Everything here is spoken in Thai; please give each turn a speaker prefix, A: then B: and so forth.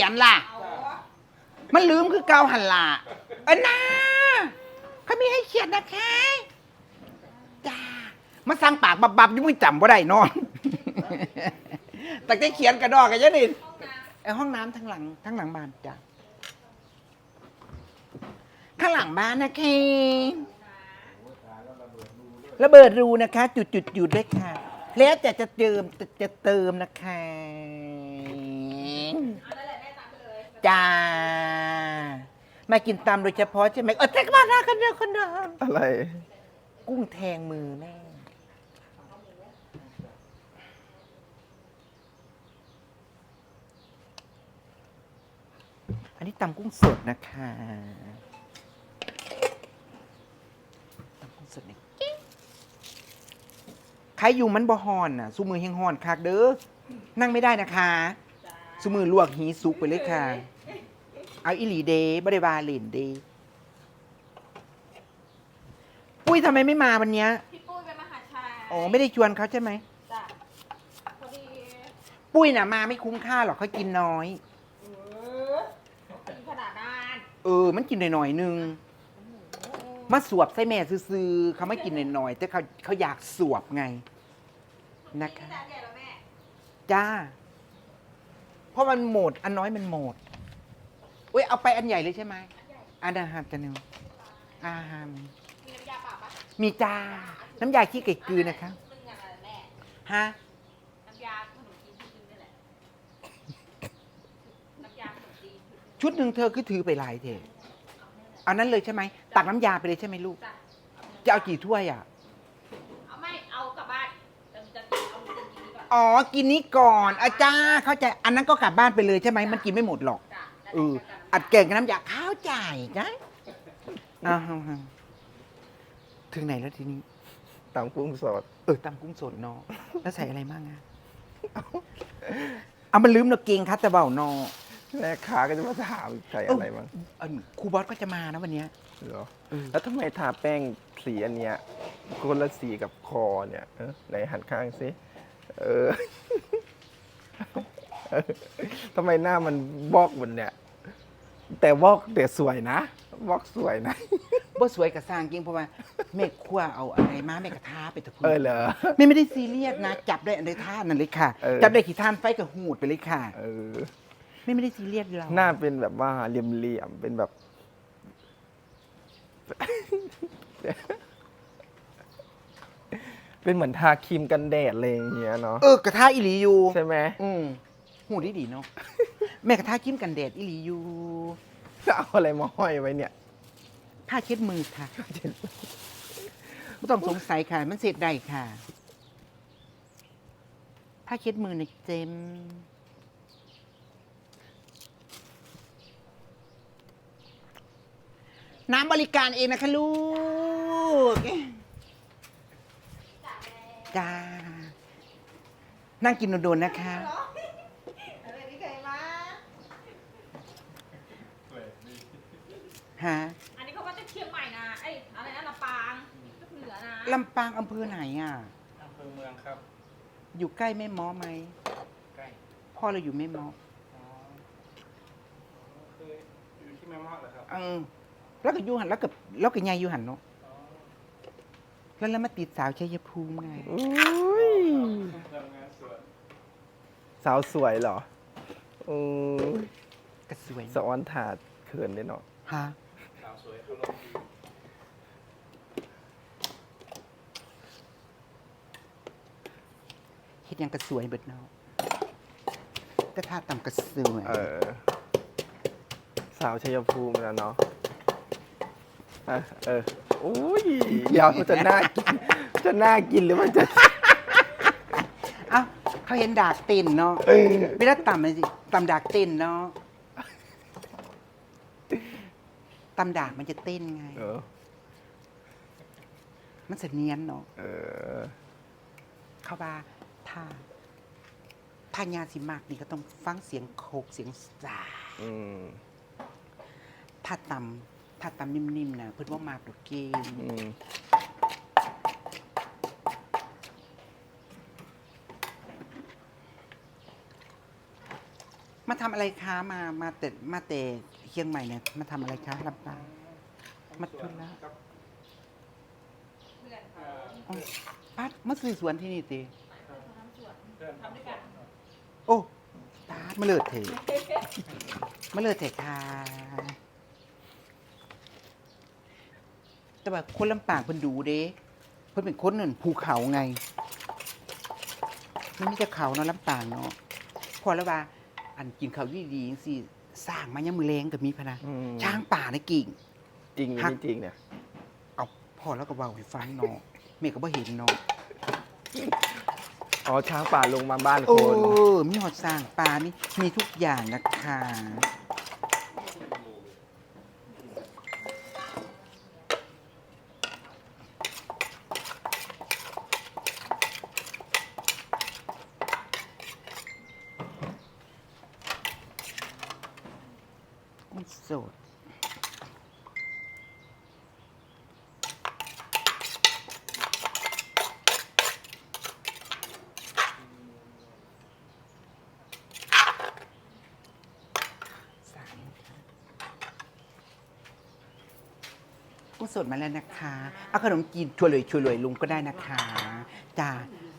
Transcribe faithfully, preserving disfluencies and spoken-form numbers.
A: ยันล่ะมันลืมคือเกาหันล่ะเอันน่าเขามีให้เขียนนะคะจ้ามาสั่งปากบับบับยังไม่จำว่าได้นอนแต่ได้เขียนกระดอกกันยังนี่ไอห้องน้ำทั้งหลังทั้งหลังบ้านจ้ะข้างหลังบ้านนะเคระเบิดรูนะคะ จุดจุดจุดด้วยค่ะแล้วจะจะเติมจะจะเติมนะคะจ้ามากินตำโดยเฉพาะใช่ไหมเออแท็กมาหน้าคนเดียวคนเดิม
B: อะไร
A: กุ้งแทงมือแม่อันนี้ตำกุ้งสดนะคะตำกุ้งสดนี่ใครอยู่มันบ่ฮอนน่ะสุมือแห้งฮอนคักเด้อนั่งไม่ได้นะคะสุมือลวกหีสุกไปเลยค่ะเอาอิหลีเดย์บริวาเล่นเดย์ปุ้ยทำไมไม่มาวันเนี้ย
C: พี่ปุ้ยไปมหาชัย
A: อ๋อไม่ได้ชวนเขาใช่ไหม
C: จ้ะพอดี
A: ปุ้ยน่ะมาไม่คุ้มค่าหรอกเขากินน้อย
C: เออกินขนาดนั้น
A: เออ มันกินหน่อยๆนึงมาสวบใส่แม่ซื้อๆเขาไม่กินหน่อยๆแต่เขาเขาอยากสวบไงนะคะ
C: จานใหญ่แล้วแม่
A: จ้า เพราะมันหมดอันน้อยมันหมดอุ้ยเอาไปอันใหญ่เลยใช่ไหมอันอาหารจะนึงอาหาร
C: มีน้ำยาเปล่าปะ
A: มีจ้า น้ำยาขี้ไก่กือนะคะ
C: นึ่งอะไรแม่
A: ฮะ
C: น้ำยาขนมจีนชุดนึงนี่แหละ น้ำยาขนมจีนชุดนึง
A: ชุดหนึ่งเธอคือถือไปหลายเทเอานั้นเลยใช่ไหมตักน้ำยาไปเลยใช่ไหมลูก
C: จ้ะ
A: จะเอากี่ถ้วยอ่ะ
C: เอาไม่ เอากลับบ้านจะจะกินเอาจะกินนี้ก่อน
A: อ๋อ กินนี้ก่อนอาจ้าเข้าใจ อันนั้นก็กลับบ้านไปเลยใช่ไหม มันกินไม่หมดหรอก
C: จ้ะแล้ว
A: เออ
C: กัน
A: อัดเก่งกับน้ำยาข้าวจ่ายนะอ้าวถึงไหนแล้วทีนี้
B: ตำกุ้งสด
A: เออตำกุ้งสดเนาะแล้วใส่อะไรบ้างอะเอามันลืมเนาะเก่งคัตตะเบาเนาะ
B: แม่ค้าก็จะมาถามใส่อะไรบ้าง
A: เออครูบอสก็จะมานะวันเนี้ย
B: เหรอ
A: เออ
B: แล้วทำไมทาแป้งสีอันเนี้ยคนละสีกับคอเนี่ยเออไหนหันข้างสิเออ เออทำไมหน้ามันบอกบนเนี่ย แต่บอกแต่สวยนะบอกสวยนะ
A: บ่สวยกับสร้างจริงเพราะว่าแม่ครัวเอาอะไรมาแม่กระทาไปตะพู
B: เออเหรอ
A: แม่ไม่ได้ซีเรียสนะ จับได้อันใดท่านั่นเลยค่ะ
B: เออ
A: จับได้ขี่ท่านไฟกับหูดไปเลยค่ะ
B: เออ
A: แม่ไม่ได้ซีเรียสเรา
B: หน้าเป็นแบบว่าเหลี่ยมๆเป็นแบบ เป็นเหมือนทาครีมกันแดดอะไรอย่างเงี้ยเนาะ
A: เออกระทาอิหลีอยู่
B: ใช่ไหม
A: อืมหูดีดีๆเนาะ แม่กระทากิ้มกันแดดอิหลีอยู่
B: จะเอาอะไรมาห้อยไว้เนี่ย
A: ผ้าเช็ดมือค่ะไม่ต้องสงสัยค่ะ มันเสร็จได้ค่ะ ผ้าเช็ดมือในเจมน้ำบริการเองนะคะลูก จ้า นั่งกินโดนๆนะคะ
C: เหรออะไรนี่เคยมา
A: ฮะ
C: อันนี้เขามาจากเชียงใหม่นะไอ้ยอะไรนะลำปางก็เหนือนะ
A: ลำปางอำเภอไหนอ่ะ
D: อำเภอเมืองครับ
A: อยู่ใกล้แม่ม้อไหม
D: ใกล้
A: พ่อเราอยู่แม่ม้อ
D: อ๋อคืออยู่ที่แม่เมาะเหรอครับ
A: เออแล้วก็อยู่หันแล้วกับแล้วก็ยายอยู่หันเนาะ
D: อ๋อ
A: แล้วแล้วมาติดสาวชัยภูมิไง
B: อุ้ย
D: ทำงานสวน
B: สาวสวยเหรออือ
A: ก็สวย
B: สะออนถาดเขินได้เนาะ
A: ฮะ
D: สาวสวยอารมณ์ดี
A: เฮ็ดหยังก็สวยเบิดเนาะก็ท่าต่ำก็สวย
B: เออ สาวชัยภูมิแล้วเนาะอ่ะเอออุ้ยเดี๋ยวมันจะน่ากิน จะน่ากินหรือมันจะ
A: เอ้าเขาเห็นดากเต้นเนาะไม่ได้ต่ำเลยสิต่ำดากเต้นเนาะต่ำดากมันจะเต้นไง
B: เออ
A: มันเสนียนเนาะ
B: เออ
A: เข้าบาถ้าถ้ายาสิมากนี่ก็ต้องฟังเสียงโคกเสียงสา
B: อืม
A: ถ้าต่ำถ้าต่ำนิ่มๆนะเพิ่นว่ามากดอกเกม
B: อืม
A: มมาทำอะไรคะมามาแต่มาแต่เชียงใหม่เนี่ยมาทำอะไรคะลำปางมาทุนแล้ว
D: ครับ
C: เพื่อน
D: เอ่
C: เขา
D: อ
A: อ๋อปัดมาซื้อสวนที่นี่ติ
D: เพื่อน
C: ทำด้วยกัน
A: โอ้ตาดมาเลิศเถอะมาเลิศเถอะค่ะแต่ว่าคนลำปางเพิ่นดูเด้เพิ่นเป็นคนนั่นภูเขาไงมันมีแต่เขาเนาะลำปางเนาะพอแล้วว่า อันกินเขาวดีๆจังซี่สร้างมายังมือแรงก็มีพะนะ
B: อืม
A: ช้างป่าในะกิ่ง
B: จริงหรือ
A: ฮัก
B: ไม่จริงเนี่ย
A: เอาพ่อแล้วก็เว้าให้ฟังเนาะแม่ก็บ่เห็นเนาะ
B: อ๋อช้างป่าลงมาบ้าน
A: โอ้
B: คน
A: มีหอดสร้างป่านี่มีทุกอย่างนะคะกุ้งสดสามกุ้งสดมาแล้วนะคะ เอาขนมจีนช่วยเลยช่วยเลยลุงก็ได้นะคะจ้า